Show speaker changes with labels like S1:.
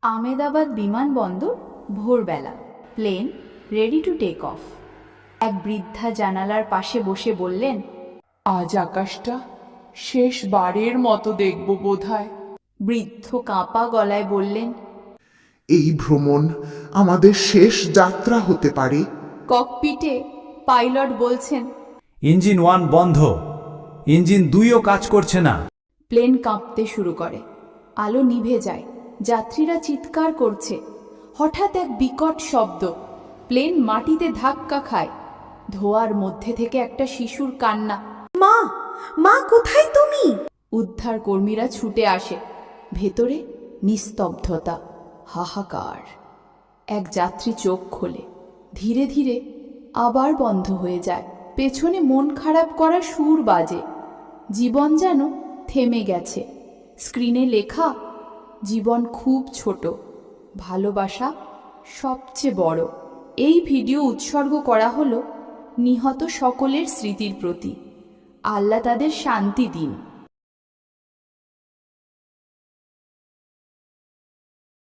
S1: আহমেদাবাদ বিমানবন্দর, ভোরবেলা। Plane ready to take off. এক বৃদ্ধা জানালার পাশে বসে বললেন,
S2: আজ আকাশটা শেষবারের মতো দেখব বোধহয়।
S1: বৃদ্ধ কাঁপা গলায় বললেন,
S3: এই ভ্রমণ আমাদের শেষ যাত্রা হতে পারে।
S1: ককপিটে পাইলট বলছেন,
S4: ইঞ্জিন 1 বন্ধ, ইঞ্জিন 2ও কাজ করছে না।
S1: প্লেন কাঁপতে শুরু করে, আলো নিভে যায়, যাত্রীরা চিৎকার করছে। হঠাৎ এক বিকট শব্দ, প্লেন মাটিতে ধাক্কা খায়। ধোঁয়ার মধ্যে থেকে একটা শিশুর কান্না,
S5: মা, মা কোথায় তুমি?
S1: উদ্ধার কর্মীরা ছুটে আসে। ভেতরে নিস্তব্ধতা, হাহাকার। এক যাত্রী চোখ খোলে, ধীরে ধীরে আবার বন্ধ হয়ে যায়। পেছনে মন খারাপ করা সুর বাজে। জীবন যেন থেমে গেছে। স্ক্রিনে লেখা, জীবন খুব ছোট, ভালোবাসা সবচেয়ে বড়। এই ভিডিও উৎসর্গ করা হলো নিহত সকলের স্মৃতির প্রতি। আল্লাহ তাদের শান্তি দিন।